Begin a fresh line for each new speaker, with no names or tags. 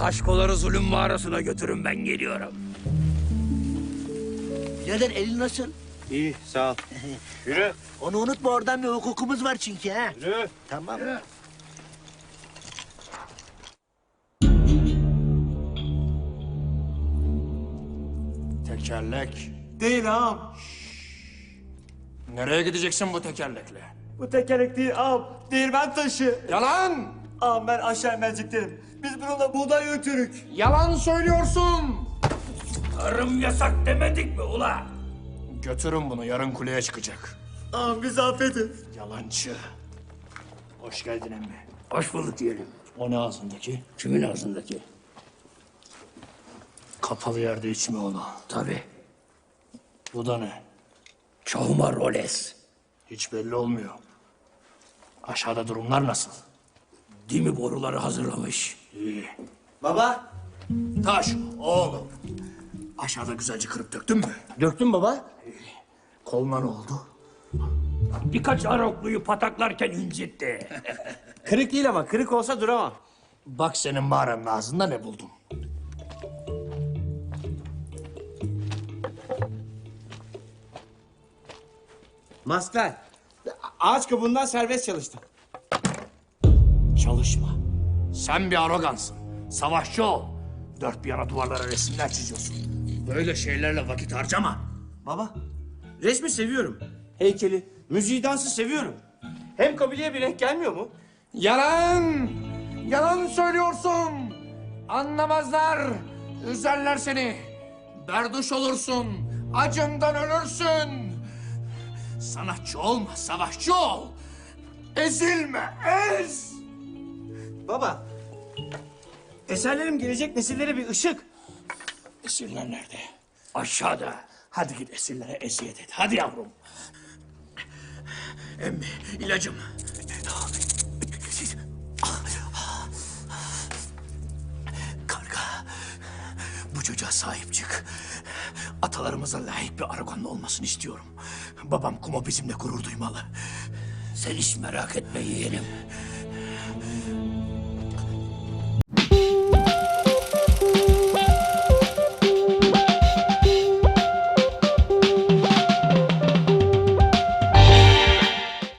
Kaşkoları zulüm mağarasına götürün, ben geliyorum.
Birader elin nasıl?
İyi, sağ ol. Yürü.
Onu unutma, oradan bir hukukumuz var çünkü ha.
Yürü.
Tamam.
Tekerlek.
Değil ağam.
Nereye gideceksin bu tekerlekle?
Bu tekerlek değil ağam. Değirmen taşı.
Yalan!
Ağam ben aşağı merceklerim. Biz bununla buğday götürük.
Yalan söylüyorsun!
Tarım yasak demedik mi ula?
Götürün bunu, yarın kuleye çıkacak.
Ağam bizi affedin.
Yalancı. Hoş geldin emmi.
Hoş bulduk diyelim.
O ne ağzındaki?
Kimin ağzındaki?
Kapalı yerde içme onu.
Tabii.
Bu da ne?
Çoğuma roles.
Hiç belli olmuyor. Aşağıda durumlar nasıl?
Dimi boruları hazırlamış.
İyi.
Baba.
Taş, oğlum. Aşağıda güzelce kırıp döktün mü?
Döktün baba.
Koluna ne oldu?
Birkaç arokluyu pataklarken incitti.
Kırık değil ama kırık olsa duramam.
Bak senin mağaranın ağzında ne buldum.
Maskler. Ağaç kabuğundan serbest çalıştım.
Çalışma. Sen bir arogansın. Savaşçı ol. Dört bir yana duvarlara resimler çiziyorsun. Böyle şeylerle vakit harcama.
Baba. Resmi seviyorum. Heykeli, müziği, dansı seviyorum. Hem kabileye bir renk gelmiyor mu?
Yalan! Yalan söylüyorsun! Anlamazlar! Üzerler seni! Berduş olursun! Acından ölürsün! Sanatçı olma, savaşçı ol! Ezilme, ez!
Baba. Eserlerim gelecek nesillere bir ışık.
Esirler nerede?
Aşağıda.
Hadi git esirlere eziyet et. Hadi yavrum. Emmi, ilacım. Karga, bu çocuğa sahip çık. Atalarımıza layık bir Aragonlu olmasını istiyorum. Babam Kumo bizimle gurur duymalı.
Sen hiç merak etme yeğenim.